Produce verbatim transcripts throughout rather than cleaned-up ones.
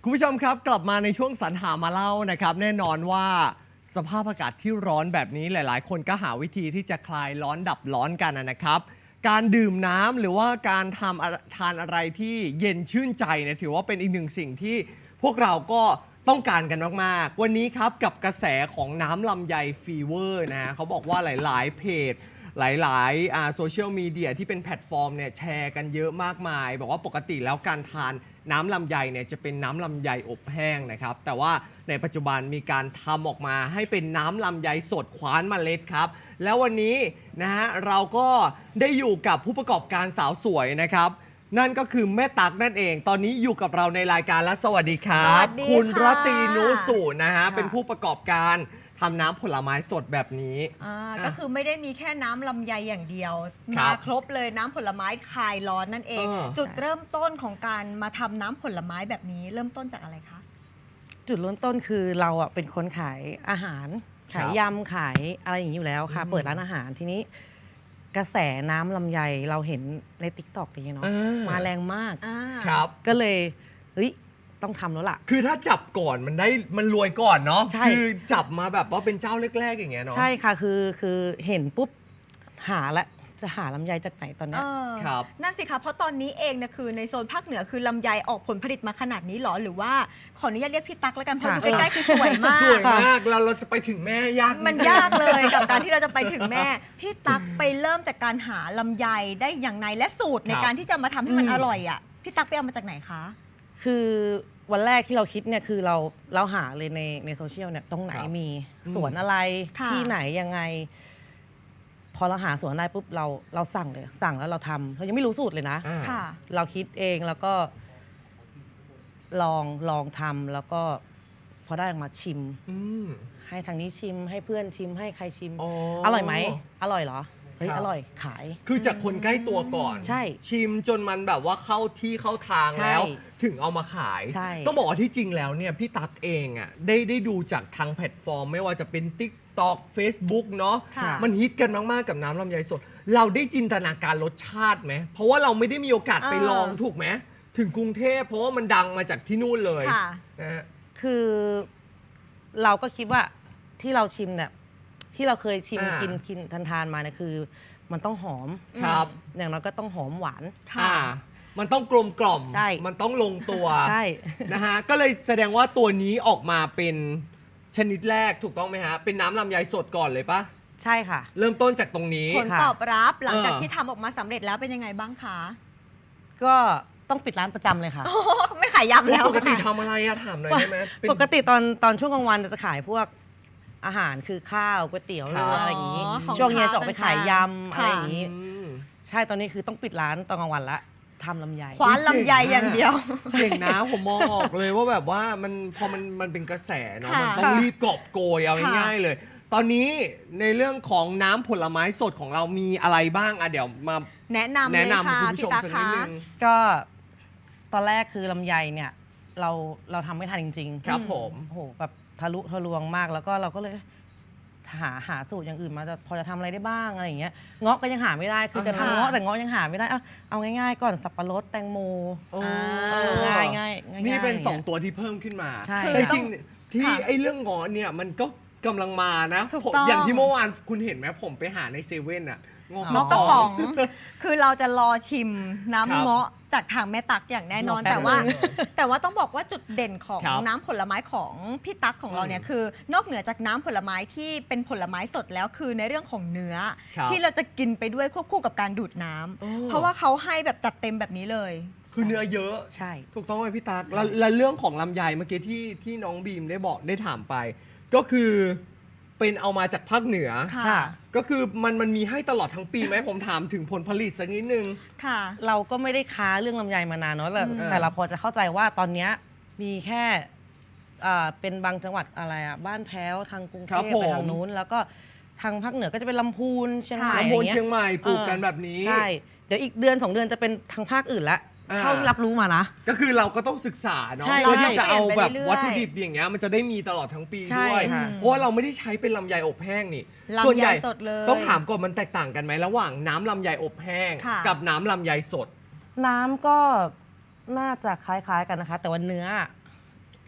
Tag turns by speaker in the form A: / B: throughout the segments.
A: คุณผู้ชมครับกลับมาในช่วงสรรหามาเล่านะครับแน่นอนว่าสภาพอากาศที่ร้อนแบบนี้หลายๆ คนก็หาวิธีที่จะคลายร้อนดับร้อนกันนะครับการดื่มน้ำหรือว่าการทำทานอะไรที่เย็นชื่นใจเนี่ยถือว่าเป็นอีกหนึ่งสิ่งที่พวกเราก็ต้องการกันมากๆวันนี้ครับกับกระแสของน้ำลำไยฟีเวอร์นะเขาบอกว่าหลายๆเพจหลายๆโซเชียลมีเดียที่เป็นแพลตฟอร์มเนี่ยแชร์กันเยอะมากมายบอกว่าปกติแล้วการทานน้ำลำไยเนี่ยจะเป็นน้ำลำไยอบแห้งนะครับแต่ว่าในปัจจุบันมีการทำออกมาให้เป็นน้ำลำไยสดคว้านเมล็ดครับแล้ววันนี้นะฮะเราก็ได้อยู่กับผู้ประกอบการสาวสวยนะครับนั่นก็คือแม่ตั๊กนั่นเองตอนนี้อยู่กับเราในรายการและสวัสดีครับคุณรตรีนุสุนะฮะเป็นผู้ประกอบการทำน้ำผลไม้สดแบบนี้
B: ก็คือไม่ได้มีแค่น้ำลำไยอย่างเดียวมาครบเลยน้ำผลไม้คลายร้อนนั่นเองจุดเริ่มต้นของการมาทำน้ำผลไม้แบบนี้เริ่มต้นจากอะไรคะ
C: จุดเริ่มต้นคือเราอ่ะเป็นคนขายอาหารขายยำขายอะไรอย่างนี้อยู่แล้วค่ะเปิดร้านอาหารทีนี้กระแสน้ำลำไยเราเห็นใน ติ๊กต็อก อย่างเงี้ยเนาะมาแรงมาก
A: ครับ
C: ก็เลยเฮ้ยต้องทำแล้วล่ะ
A: คือถ้าจับก่อนมันได้มันรวยก่อนเนาะคือจับมาแบบว่าเป็นเจ้าแรกๆอย่างเงี้ยเนาะ
C: ใช่ค่ะคือคือเห็นปุ๊บหาละจะหาลำไยจากไหนตอนนี้
A: ครับ
B: นั่นสิคะเพราะตอนนี้เองเนี่ยคือในโซนภาคเหนือคือลำไยออกผลผลิตมาขนาดนี้หรอหรือว่าขออนุญาตเรียกพี่ตั๊กแล้วกันเพราะอยู่ใกล้ๆคือสวยมาก
A: สวยมากเราเราจะไปถึงแม่ยาก
B: มันยากเลยกับการที่เราจะไปถึงแม่พี่ตั๊กไปเริ่มจากการหาลำไยได้อย่างไรและสูตรในการที่จะมาทำให้มันอร่อยอ่ะพี่ตั๊กไปเอามาจากไหนคะ
C: คือวันแรกที่เราคิดเนี่ยคือเราเราหาเลยในในโซเชียลเนี่ยตรงไหนมีสวนอะไรที่ไหนยังไงพอเราหาสวนได้ปุ๊บเราเราสั่งเลยสั่งแล้วเราทำเรายังไม่รู้สูตรเลยนะเราคิดเองแล้วก็ลองลองทำแล้วก็พอได้ออกมาชิมให้ทางนี้ชิมให้เพื่อนชิมให้ใครชิมอร่อยไหมอร่อยเหรอเฮ้ยอร่อยขาย
A: คือจากคนใกล้ตัวก่อน
C: ใช่
A: ชิมจนมันแบบว่าเข้าที่เข้าทางแล้วถึงเอามาขายต้องบอกว่าที่จริงแล้วเนี่ยพี่ตั๊กเองอ่ะได้ได้ดูจากทางแพลตฟอร์มไม่ว่าจะเป็น ติ๊กต็อก เฟซบุ๊ก เนาะมันฮิตกันมากๆกับน้ำลำไยสดเราได้จินตนาการรสชาติไหมเพราะว่าเราไม่ได้มีโอกาสไปลองถูกไหมถึงกรุงเทพเพราะว่ามันดังมาจากที่นู่นเลย
C: นะคือเราก็คิดว่าที่เราชิมเนี่ยที่เราเคยชิมกินกินทานทานมาเนี่ยคือมันต้องหอม
A: ครับ
C: อย่างน้อยก็ต้องหอมหวาน
A: ค่ะมันต้องกลมกล่อม
C: ใช่
A: มันต้องลงตัว
C: ใช่
A: นะฮะก็เลยแสดงว่าตัวนี้ออกมาเป็นชนิดแรกถูกต้องไหมฮะเป็นน้ำลำไยสดก่อนเลยปะ
C: ใช่ค่ะ
A: เริ่มต้นจากตรงนี้
B: ผลตอบรับหลังจากที่ทำออกมาสำเร็จแล้วเป็นยังไงบ้างคะ
C: ก็ต้องปิดร้านประจำเลยค่ะ
B: ไม่ขายยำแล้ว
A: ปกติทำอะไรอะถามหน่อยได้ไหม
C: ปกติตอนตอนช่วงกลางวันจะขายพวกอาหารคือข้าวก๋วยเตี๋ยวเรืออะไรอย่างนี้ช่วงเย็นจะออกไปขายยำอะไรอย่างนี้ใช่ตอนนี้คือต้องปิดร้านตอนกลางวันละทำลำไย
B: คว้านลำไยอย่างเดียว
A: เก่งนะผมมองออกเลยว่าแบบว่ามันพอมันมันเป็นกระแสเนาะมันต้องรีบกอบโกยเอาง่ายๆเลยตอนนี้ในเรื่องของน้ำผลไม้สดของเรามีอะไรบ้างอะเดี๋ยวมา
B: แนะนำเลยค่ะ
A: คุณผู้ชมสักนิดนึง
C: ก็ตอนแรกคือลำไยเนี่ยเราเราทำไม่ทันจริง
A: ๆครับผม
C: โอ้โหแบบทะลุทะลวงมากแล้วก็เราก็เลยหาหาสูตรอย่างอื่นมาจะพอจะทำอะไรได้บ้างอะไรอย่างเงี้ยเงาะก็ยังหาไม่ได้คือจะทำเงาะแต่เงาะยังหาไม่ได้เอาเอาง่ายๆก่อนสับปะรดแตงโมง่ายง่าย
A: นี่เป็นสองตัวที่เพิ่มขึ้นมา
C: ใช่
A: จริงที่ไอ้เรื่องเงาะเนี่ยมันก็กำลังมานะอย่างที่เมื่อวานคุณเห็นไหมผมไปหาในเซเว่นอะ
B: เงาะกระป๋องคือเราจะรอชิมน้ำเงาะจากทางแม่ตั๊กอย่างแน่นอนแต่ว่าแต่ว่าต้องบอกว่าจุดเด่นของน้ำผลไม้ของพี่ตั๊กของเราเนี่ยคือนอกเหนือจากน้ำผลไม้ที่เป็นผลไม้สดแล้วคือในเรื่องของเนื้อที่เราจะกินไปด้วยควบคู่กับการดูดน้ำเพราะว่าเขาให้แบบจัดเต็มแบบนี้เลย
A: คือเนื้อเยอะ
C: ใช่
A: ถูกต้องไหมพี่ตั๊กแล้วเรื่องของลำไยเมื่อกี้ที่ที่น้องบีมได้บอกได้ถามไปก็คือเป็นเอามาจากภาคเหนือก็คือมันมันมีให้ตลอดทั้งปีไหมผมถามถึงผลผลิตสักนิดนึง
C: ค่ะเราก็ไม่ได้ค้าเรื่องลำไยมานานเนาะแต่เราพอจะเข้าใจว่าตอนนี้มีแค่เป็นบางจังหวัดอะไรอ่ะบ้านแพ้วทางกรุงเทพไปทางนู้นแล้วก็ทางภาคเหนือก็จะเป็นลำพูนเชียงใหม่
A: ลำพูนเชียงใหม่ปลูกกันแบบนี้
C: ใช่เดี๋ยวอีกเดือนสองเดือนจะเป็นทางภาคอื่นละเท่าที่รับรู้มานะ
A: ก็คือเราก็ต้องศึกษาเนาะเพื่อที่จะเอาแบบวัตถุดิบอย่างเงี้ยมันจะได้มีตลอดทั้งปีด้วยเพราะว่าเราไม่ได้ใช้เป็นลำไยอบแห้งนี่
B: ส่วนใหญ่
A: ต้องถามก่อนมันแตกต่างกันไหมระหว่างน้ำลำไยอบแห้งกับน้ำลำไยสด
C: น้ำก็น่าจะคล้ายๆกันนะคะแต่ว่าเนื้อ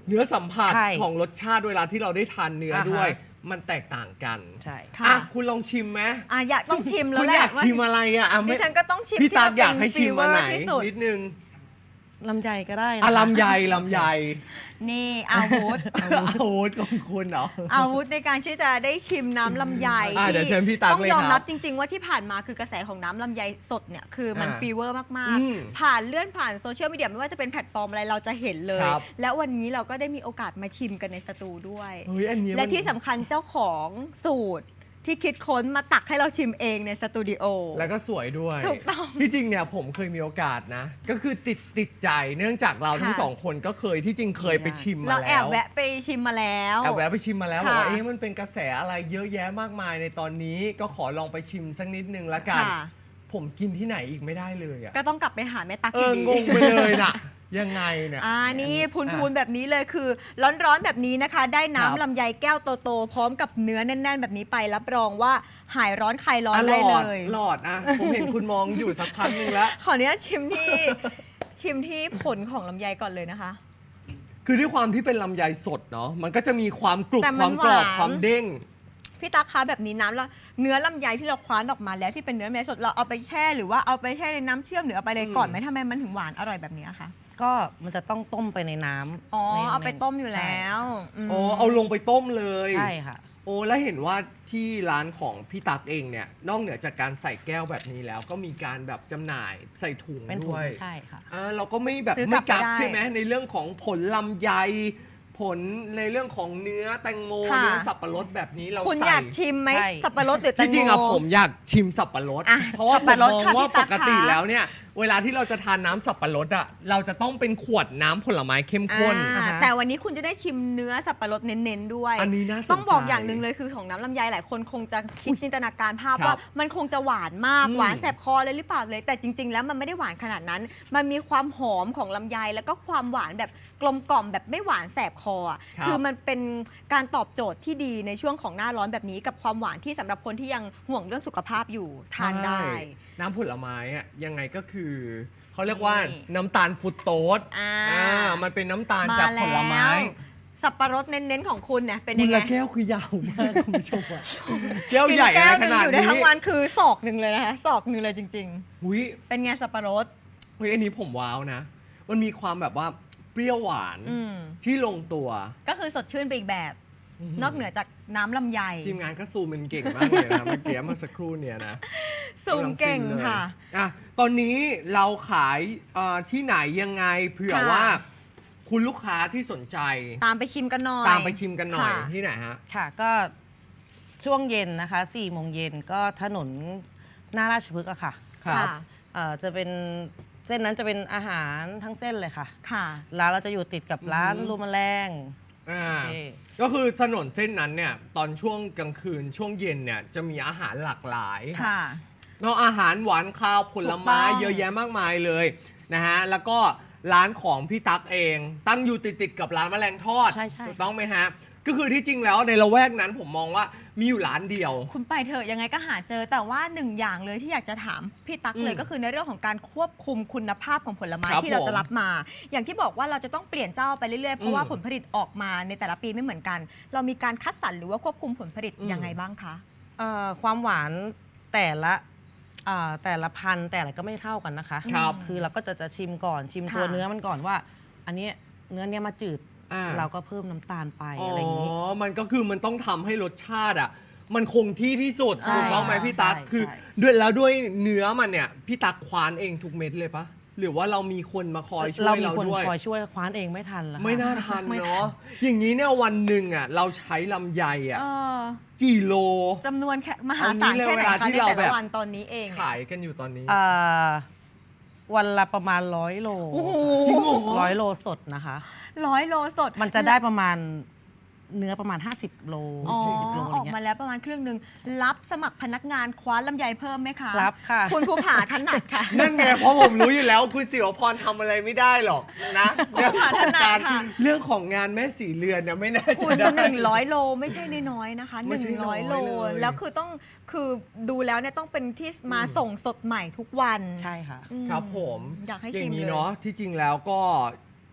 A: เนื้อสัมผัส
C: ใช่
A: ของรสชาติเวลาที่เราได้ทานเนื้อ
C: อ่าฮะ
A: ด้วย มันแตกต่างกัน
C: ใช่
B: ค่ะ
A: อ่ะคุณลองชิมไหม
B: อ่ะอยากต้องชิมแล้
A: คุ
B: ว
A: ณ
B: แหละ
A: อยากชิมอะไรอ่ะอ่ะ
B: ดิ
A: ไม่
B: ฉันก็ต้องชิม
A: พี่
B: ที่
A: ตาก
B: มัน
A: อยากให้ชิมมาไหน
B: ที่สุด
A: นิดนึง
C: ลำไยก็ได้นะ
A: อ่ะ
C: คะ
A: ลำไยลำไย
B: นี่อาวุธ
A: อาวุธของคุณเหรอ
B: อาวุธในการที่จะได้ชิมน้ำลำไย
A: อ่ะเดี๋ยวเชิญพี่ตั๊ก
B: ต้อง
A: เลย
B: ยอม
A: ครับ
B: รับจริง ๆ ว่าที่ผ่านมาคือกระแสของน้ำลำไยสดเนี่ยคือมัน
A: อ่า
B: ฟีเวอร์มาก
A: อืม
B: ๆ ผ่านเลื่อนผ่านโซเชียลมีเดียไม่ว่าจะเป็นแพลตฟอร์มอะไรเราจะเห็นเลย
A: ครับ
B: แล้ววันนี้เราก็ได้มีโอกาสมาชิมกันในสตูด้วย
A: เฮ้ยอันนี้
B: และ
A: มัน
B: ที่สำคัญเจ้าของสูตรที่คิดค้นมาตักให้เราชิมเองในสตูดิโอ
A: แล้วก็สวยด้วย
B: ถูกต้อง
A: ที่จริงเนี่ยผมเคยมีโอกาสนะ ก็คือติดติดใจเนื่องจากเราทั้ง
B: ค่ะ
A: สองคนก็เคยที่จริงเคยไปชิมมา
B: เรา
A: แล้ว
B: แอบแวะไปชิมมาแล้ว
A: แอบแวะไปชิมมาแล้วบ
B: ค่ะ
A: อกว่าเอ๊ะมันเป็นกระแสอะไรเยอะแยะมากมายในตอนนี้ก็ขอลองไปชิมสักนิดนึงละกัน
B: ค่ะ
A: ผมกินที่ไหนอีกไม่ได้เลยอะ
B: ก็ต้องกลับไปหาแม่ตัก
A: เอ
B: อ
A: อยู่
B: ดี
A: งงไปเลยน่ะ ยังไงเนี่ย
B: อ่านี่พูน
A: อ่ะ
B: พูนแบบนี้เลยคือ ร้อนๆแบบนี้นะคะ ได้
A: ครับ
B: น้ำลำไยแก้วโตๆพร้อมกับเนื้อแน่น ๆ แบบนี้ไปรับรองว่าหายร้อนคลายร้อน
A: อ่ะ
B: ได้
A: หล
B: เล
A: อด
B: ย
A: หลอดอ่ะผมเห็นคุณมองอยู่สักพักหนึงแล้ว
B: ขออนุญาตชิมที่ ชิมที่ผลของลำไยก่อนเลยนะคะ
A: คือด้วยความที่เป็นลำไยสดเนาะมันก็จะมีความกรุบ
B: แต่
A: ค
B: มั
A: วาน มกรอบ
B: หวาน
A: ความเด้ง
B: พี่ตาคะแบบนี้น้ำแล้วเนื้อลำไยที่เราคว้านออกมาแล้วที่เป็นเนื้อลำไยสดเราเอาไปแช่หรือว่าเอาไปแช่ในน้ำเชื่อมหรือเอาไปเลยก่อนไหมทำไมมันถึงหวานอร่อยแบบนี้คะ
C: ก็มันจะต้องต้มไปในน้ำ
B: อ๋อ
C: ใน
B: เอาไป
C: ใน
B: ต้มอยู่แล้ว
C: ใช่
B: ม
A: โอ้เอาลงไปต้มเลย
C: ใช่ค่ะ
A: โอ้แล้วเห็นว่าที่ร้านของพี่ตักเองเนี่ยนอกเหนือจากการใส่แก้วแบบนี้แล้ว ก็มีการแบบจำหน่ายใส่ถุง
C: เป็นถุ
A: ด้
C: ง
A: วย
C: ใช่ค่ะ
A: อ่าเราก็ไม่แบบ
B: ซื้อกลั
A: ไม่
B: บ
A: กัก
B: ไปได้
A: ใช่ไหมในเรื่องของผลลำไย ผลในเรื่องของเนื้อแตงโม
B: ค่ะ
A: เนื้อสับปะรดแบบนี้เรา
B: คุณ
A: ใส่
B: อยากชิมไหม
C: ใช่
B: สับปะรดหรือแต
A: ที่
B: งโม
A: จริงอะผมอยากชิมสับปะรด
B: อ่ะ
A: เพราะว่า
B: สับ
A: ผม
B: ปะรด
A: มอง
B: ค่ะ
A: ว่า
B: พี่ตั๊
A: ป
B: ก
A: กติ
B: ค่ะ
A: แล้วเนี่ย เวลาที่เราจะทานน้ำสับปะรดอะเราจะต้องเป็นขวดน้ำผลไม้เข้มข้น
B: อ่า
C: อ่าฮะ
B: แต่วันนี้คุณจะได้ชิมเนื้อสับปะรดเน้นๆด้วย
A: อันนี้น่าสนใจ
B: ต้องบอกอย่างหนึ่งเลยคือของน้ำลำไยหลายคนคงจะคิดจินตนาการภาพ
A: ครับ
B: ว่ามันคงจะหวานมาก
A: อืม
B: หวานแสบคอเลยหรือเปล่าเลย แต่จริง ๆ แล้วมันไม่ได้หวานขนาดนั้น มันมีความหอมของลำไยแล้วก็ความหวานแบบกลมกล่อมแบบไม่หวานแสบคออะ
A: ครับ
B: คือมันเป็นการตอบโจทย์ที่ดีในช่วงของหน้าร้อนแบบนี้ กับความหวานที่สำหรับคนที่ยังห่วงเรื่องสุขภาพอยู่ทานได้
A: ใช่น้ำผลไม้อะยังไงก็คือเขาเรียกว่า
B: นี่
A: น้ำตาลฟรุตโตส
B: อ่า
A: อ่ามันเป็นน้ำตาล
B: มา
A: จากผลไม้
B: แล้วสับปะรดเน้นๆของคุณเนี่ยเป็น
A: คุ
B: ยั
A: ณ
B: งไง
A: ละแก้วคือยาวมากคุณผู้ชมอะแก้ว
B: กิน
A: ใหญ่
B: แก้ว
A: อะไร
B: ห
A: ข
B: นึ่ง
A: นาด
B: อยู่ได้
A: นี้
B: ทั้งวันคือศอกหนึ่งเลยนะคะศอกหนึ่งเลยจริง
A: อุ้ย
B: ๆ เป็นไงสับปะรด
A: อุ้ยอันนี้ผมว้าวนะ มันมีความแบบว่าเปรี้ยวหวาน
B: อืม
A: ที่ลงตัว
B: ก็คือสดชื่นไปอีกแบบ นอกเหนือจากน้ำลำไย
A: ทีมงานก็ซูมเป็นเก่งมากเลยนะเมื่อกี้เมื่อสักครู่เนี่ยนะ
B: สูงเก่ง
A: กำลัฟินลย
B: ค่ะ
A: อ่ะตอนนี้เราขายเอ่อที่ไหนยังไงเผื่อ
B: ค่ะ
A: ว่า คุณลูกค้าที่สนใจ
B: ตามไปชิมกันหน่อย
A: ตามไปชิมกันหน่อย
B: ค่ะ
A: ที่ไหนฮะ
C: ค่ะก็ช่วงเย็นนะคะสี่โมงเย็นก็ถนนหน้าราชพฤกษ์อะค่ะ
A: ครับ
B: ค่ะ
C: เอ่อจะเป็นเส้นนั้นจะเป็นอาหารทั้งเส้นเลยค่ะ
B: ค่ะ
C: ร้านเราจะอยู่ติดกับร้าน
A: อืม
C: รูมแมลง
A: อ่า
C: โอเค
A: ก็คือถนนเส้นนั้นเนี่ยตอนช่วงกลางคืนช่วงเย็นเนี่ยจะมีอาหารหลากหลาย
B: ค่ะ
A: เนาะอาหารหวานข้าวผลไม้
B: ถูกต้อง
A: เยอะแยะมากมายเลยนะฮะแล้วก็ร้านของพี่ตั๊กเอง ตั้งอยู่ติดติดๆกับร้านแมลงทอด
C: ใช่ใช่
A: ถูกต้องไหมฮะก็คือที่จริงแล้วในละแวกนั้นผมมองว่ามีอยู่ร้านเดียว
B: คุณไปเถอะยังไงก็หาเจอแต่ว่าหนึ่งอย่างเลยที่อยากจะถามพี่ตั๊กเลย
A: อืม
B: ก็คือในเรื่องของการควบคุมคุณภาพของผลไม้
A: ครับ
B: ที่เรา
A: ผม
B: จะรับมา อย่างที่บอกว่าเราจะต้องเปลี่ยนเจ้าไปเรื่อยๆเพราะว่า
A: อืม
B: ผลผลิตออกมาในแต่ละปีไม่เหมือนกัน เรามีการคัดสรรหรือว่าควบคุมผลผลิต
A: อืม
B: ยังไงบ้างคะ
C: เอ่อความหวานแต่ละเอ่อแต่ละพันธุ์แต่ละก็ไม่เท่ากันนะคะ
A: ครับ
C: คือเราก็จะจะชิมก่อนชิม
B: ค่ะ
C: ตัวเนื้อมันก่อนว่า อันเนี้ยเนื้อเนี้ยมาจืด
A: อ่า
C: เราก็เพิ่มน้ำตาลไป
A: อ๋อ
C: อะไรอย่างนี้
A: มันก็คือมันต้องทำให้รสชาติอ่ะมันคงที่ที่สุด
C: ใช่
A: ถูกต้องไหมพี่ตั๊ก
C: ใช่
A: คือ
C: ใช่
A: ด้วยแล้วด้วยเนื้อมันเนี่ยพี่ตั๊กควานเองทุกเม็ดเลยปะหรือว่าเรามีคนมาคอยช่วย
C: เรา
A: เรา
C: มีคน
A: ด้วย
C: คอยช่วยคว้านเองไม่ทันแล้วค่ะ
A: ไม่น่าทัน
C: ไม่
A: เนาะอย่างนี้เนี่ยวันหนึ่งอ่ะเราใช้ลำไยอ่ะ
B: เออ
A: กี่โล
B: จำนวนแค่มหาศาล
A: เอางี้เลย
B: แค่ไหน
A: เวลา
B: คะ
A: ที่
B: ใน
A: เรา
B: แต่
A: แบ
B: ละ
A: บ
B: วันตอนนี้เองเนี่ย
A: ขายกันอยู่ตอนนี้
C: เอ่อวันละประมาณร้อยโล
B: โอ้โห
A: จริงเหรอ
C: ร้อยโลสดนะคะ
B: ร้อยโลสด
C: มันจะได้ประมาณเนื้อประมาณ ห้าสิบ โล
B: อ๋อ
C: สี่สิบโลอะไร
B: ออก
C: เงี้
B: มาย แล้วประมาณครึ่งหนึ่งรับสมัครพนักงานคว้าลำไยเพิ่มไหมคะ
C: รับค่ะ
B: คุณภูผาถนัดค่ะ
A: นั่นไงเพราะผมรู้อยู่แล้วคุณศิวพรทำอะไรไม่ได้หรอกนะเรื่องของ
B: ถนัด
A: การ
B: ค่ะ
A: เรื่องของงานแม่สีเรือนเนี่ยไม่น่าจะ
B: คุณ
A: ได้
B: หนึ่งร้อยโลไม่ใช่น้อยๆนะคะห
A: ไม่
B: นึ่
A: ใช่
B: ง
A: น้
B: ร้
A: อ
B: อย ยโล
A: เลย
B: แล้วคือต้องคือดูแล้วเนี่ยต้องเป็นที่มา
A: อืม
B: ส่งสดใหม่ทุกวัน
C: ใช่ค่ะ
B: อื
A: ครับผม
B: อยากให้
A: อย่า
B: ชิม
A: งนี้
B: เลย
A: เนาะที่จริงแล้วก็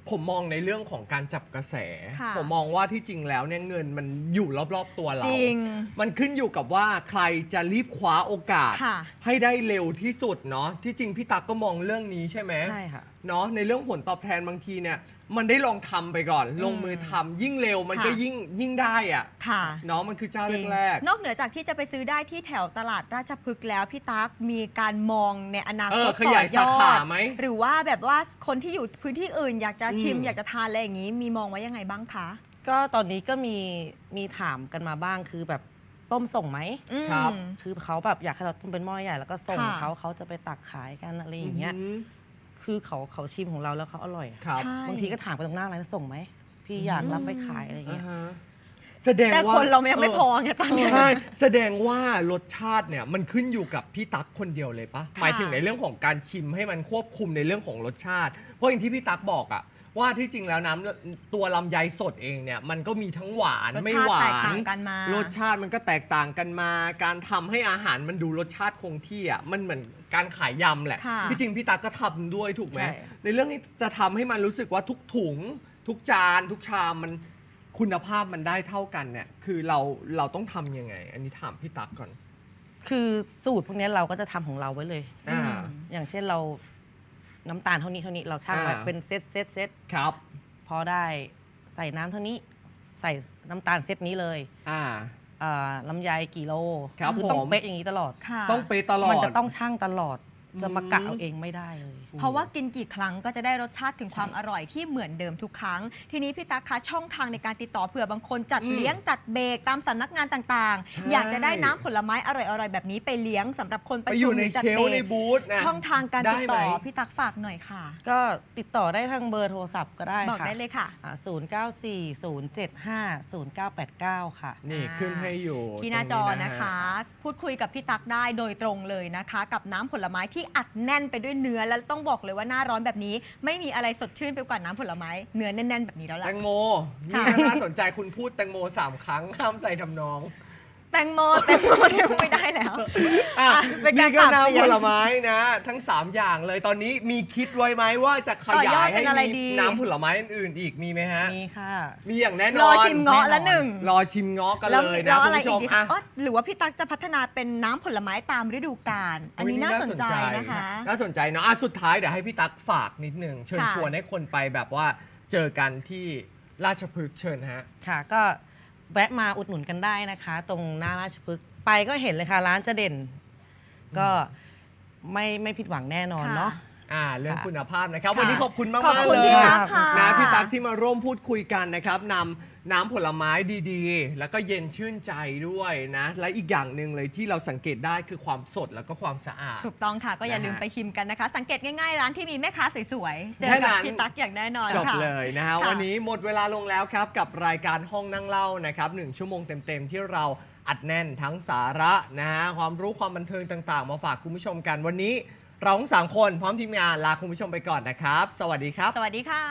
A: ผมมองในเรื่องของการจับกระแส
B: ค่ะ
A: ผมมองว่าที่จริงแล้วเนี่ยเงินมันอยู่รอบๆตัวเรา
B: จริง
A: มันขึ้นอยู่กับว่าใครจะรีบคว้าโอกาส
B: ค่ะ
A: ให้ได้เร็วที่สุดเนาะที่จริงพี่ตั๊กก็มองเรื่องนี้ใช่ไหม
C: ใช่ค่ะ
A: เนาะในเรื่องผลตอบแทนบางทีเนี่ยมันได้ลองทำไปก่อน
B: อืม
A: ลงมือทำยิ่งเร็วมันก็
B: ค่ะ
A: ยิ่งยิ่งได้อะ
B: ค่ะ
A: เนาะมันคือเจ้า
B: จริง
A: แรก
B: นอกเหนือจากที่จะไปซื้อได้ที่แถวตลาดราชพฤกษ์แล้วพี่ตั๊กมีการมองในอนา
A: ๆเอ
B: ค
A: อ
B: ต
A: ข
B: ต่
A: ยาย
B: อย
A: สา
B: อ
A: ขา
B: ด
A: ไหม
B: หรือว่าแบบว่าคนที่อยู่พื้นที่อื่นอยากจะชิม
A: อืม
B: อยากจะทานอะไรอย่างนี้ มีมองไว้ยังไงบ้างคะ
C: ก็ตอนนี้ก็มีมีถามกันมาบ้างคือแบบต้มส่งไหม
B: อืม
A: ครับ
C: คือเขาแบบอยากให้เราต้มเป็นหม้อใหญ่แล้วก็ส่ง
B: ค่ะ
C: เขาเขาจะไปตักขายกันอะไรอย่างเงี้ย
A: ม
C: คือเขาเขาชิมของเราแล้วเขาอร่อยอะ
A: ครับ
B: ใช่
C: บางทีก็ถามกันตรงหน้าร้านส่งไหมพี่อยากรับไปขายอะไรอย่าง
A: อ่า
C: เงี้ย
A: ฮะแสดง
B: แต่
A: ว่า
B: คนเรายังไม่พอไงตอนนี้
A: ใช่แสดงว่ารสชาติเนี่ยมันขึ้นอยู่กับพี่ตั๊กคนเดียวเลยปะ
B: ค่ะ
A: หมายถึงในเรื่องของการชิมให้มันควบคุมในเรื่องของรสชาติ เพราะอย่างที่พี่ตั๊กบอกอะว่าที่จริงแล้วน้ำตัวลำไยสดเองเนี่ยมันก็มีทั้งหวาน
B: รส
A: ไม่
B: ชา
A: ห
B: ติ
A: วา
B: แตก
A: น
B: ต่างกันมาร
A: สชาติมันก็แตกต่างกันมา การทำให้อาหารมันดูรสชาติคงที่อ่ะมันเหมือนการขายยำแหละ
B: ค่ะ
A: ที่จริงพี่ตั๊กก็ทำด้วยถูกไหม
C: ใช่
A: ในเรื่องนี้จะทำให้มันรู้สึกว่าทุกถุง ทุกจานทุกชามมันคุณภาพมันได้เท่ากันเนี่ยคือเราเราต้องทำยังไง อันนี้ถามพี่ตั๊กก่อน
C: คือสูตรพวกเนี้ยเราก็จะทำของเราไว้เลย
A: อ่า
C: อย่างเช่นเราน้ำตาลเท่านี้เท่านี้เราชั่งไว้
A: อ่า
C: เป็นเซตเซตเซต
A: ครับ
C: พอได้ใส่น้ำเท่านี้ใส่น้ำตาลเซตนี้เลย
A: อ่า
C: เอ่อลำไยกี่โล
A: ครับ
C: อต้อง
A: ผม
C: เป๊ะอย่างนี้ตลอด
B: ค่ะ
A: ต้องไปตลอด
C: มันจะต้องชั่งตลอด จะมา
A: อืม
C: กะเอาเองไม่ได้เลย
B: เพราะว่ากินกี่ครั้งก็จะได้รสชาติถึงความ
C: ใช่
B: อร่อยที่เหมือนเดิมทุกครั้ง ทีนี้พี่ตั๊กคะช่องทางในการติดต่อเผื่อบางคนจัด
A: อืม
B: เลี้ยงจัดเบรกตามสำนักงานต่าง
A: ใช่
B: ๆ อยากจะได้น้ำผลไม้อร่อยๆแบบนี้ไปเลี้ยงสำหรับคนป
A: ไประ อ
B: ชุม
A: ยู่
B: ห
A: ใน
B: รือจัด
A: เชล
B: เบร
A: ฟ์ใน
B: ก
A: บูธนะ
B: ช่องทางการติดต่อ
A: ได้ไหม
B: พี่ตั๊กฝากหน่อยค่ะ
C: ก็ติดต่อได้ทางเบอร์โทรศัพท์ก็ได้
B: บอก
C: ค่ะ
B: ได้เลยค่ะ
C: ศูนย์เก้าสี่ศูนย์เจ็ดห้าศูนย์เก้าแปดเก้าค่ะ
A: นี่ขึ้นให้อยู่
B: ที่หน้าจอ
A: ตรง
B: นะคะ
A: ฮ
B: พูดคุยกับพี่ตั๊กได้โดยตรงเลยนะคะ กับน้ำผลไม้ที่อัดแน่นไปด้วยเนื้อแล้วต้องบอกเลยว่าหน้าร้อนแบบนี้ ไม่มีอะไรสดชื่นไปกว่าน้ำผลไม้เนื้อแน่น ๆ แบบนี้แล้ว
A: แต
B: ล่ะ
A: งโม
B: ค่ะ
A: นี่น่าสนใจคุณพูดแตงโมสามครั้งห้ามใส่ทำนอง
B: แตงโมแตงโมเดี๋ยวไม่ได้แล้ว
A: อ่ะ
B: อ่ะเป็นการ
A: นี่ก็
B: ปรับเสียง
A: น้ำผลไม้นะ ทั้ง สาม อย่างเลยตอนนี้มีคิดไว้ไหมว่าจะข
B: ต่อย
A: าย
B: อด
A: ย
B: เป็
A: ให้
B: นอะไร
A: มี
B: ดี
A: น้ำผลไม้อื่นๆอีกมีไหมฮะ
C: มีค่ะ
A: มีอย่างแน่นอน
B: รอชิมเงาะละหนึ่ง
A: รอชิมเงาะกัน
B: แล้ว
A: เลย
B: แล้
A: นะ
B: ว
A: คุ
B: อะไร
A: ณผู้ช
B: อีก
A: ม
B: ดี
A: อ่ะ
B: อ๋อหรือว่าพี่ตั๊กจะพัฒนาเป็นน้ำผลไม้ตามฤดูกาลอันนี้น่าสนใจนะคะ
A: น่าสนใจเนาะอ่ะสุดท้ายเดี๋ยวให้พี่ตั๊กฝากนิดหนึ่งเชิญ
B: ค่ะ
A: ชวนให้คนไปแบบว่าเจอกันที่ราชพฤกษ์เชิญฮะ
C: ค่ะก็แวะมาอุดหนุนกันได้นะคะ ตรงหน้าราชพฤกษ์ไปก็เห็นเลยค่ะร้านจะเด่น ก็ไม่ไม่ผิดหวังแน่นอนเนาะ
A: อ่าเรื่อง
C: ค่ะ
A: คุณภาพนะครับ
B: ค่ะ
A: วันนี้ขอบคุณมาก
B: ขอบ
A: มาก
B: คุณ
A: เลย
B: พี่ตั๊กค่ะ
A: นะพี่ตั๊กที่มาร่วมพูดคุยกันนะครับนำน้ำผลไม้ดีๆ แล้วก็เย็นชื่นใจด้วยนะ และอีกอย่างหนึ่งเลยที่เราสังเกตได้คือความสดแล้วก็ความสะอาด
B: ถูกต้องค่ะก็อย่า
A: นะฮะ
B: ลืมไปชิมกันนะคะ สังเกตง่ายๆ ร้านที่มีแม่ค้าสวยๆ เจอ
A: แค่นั้
B: กับ
A: น
B: พี่ตั๊กอย่างแน่นอน
A: จบ
B: ค่ะ
A: เลยนะฮะ
B: ค่ะ
A: วันนี้หมดเวลาลงแล้วครับกับรายการห้องนั่งเล่านะครับหนึ่งชั่วโมงเต็มๆที่เราอัดแน่นทั้งสาระนะฮะความรู้ความบันเทิงต่างๆ มาฝากคุณผู้ชมกันวันนี้เราทั้งสามคนพร้อมทีมงานลาคุณผู้ชมไปก่อนนะครับ สวัสดีครับ
B: สวัสดีค่ะ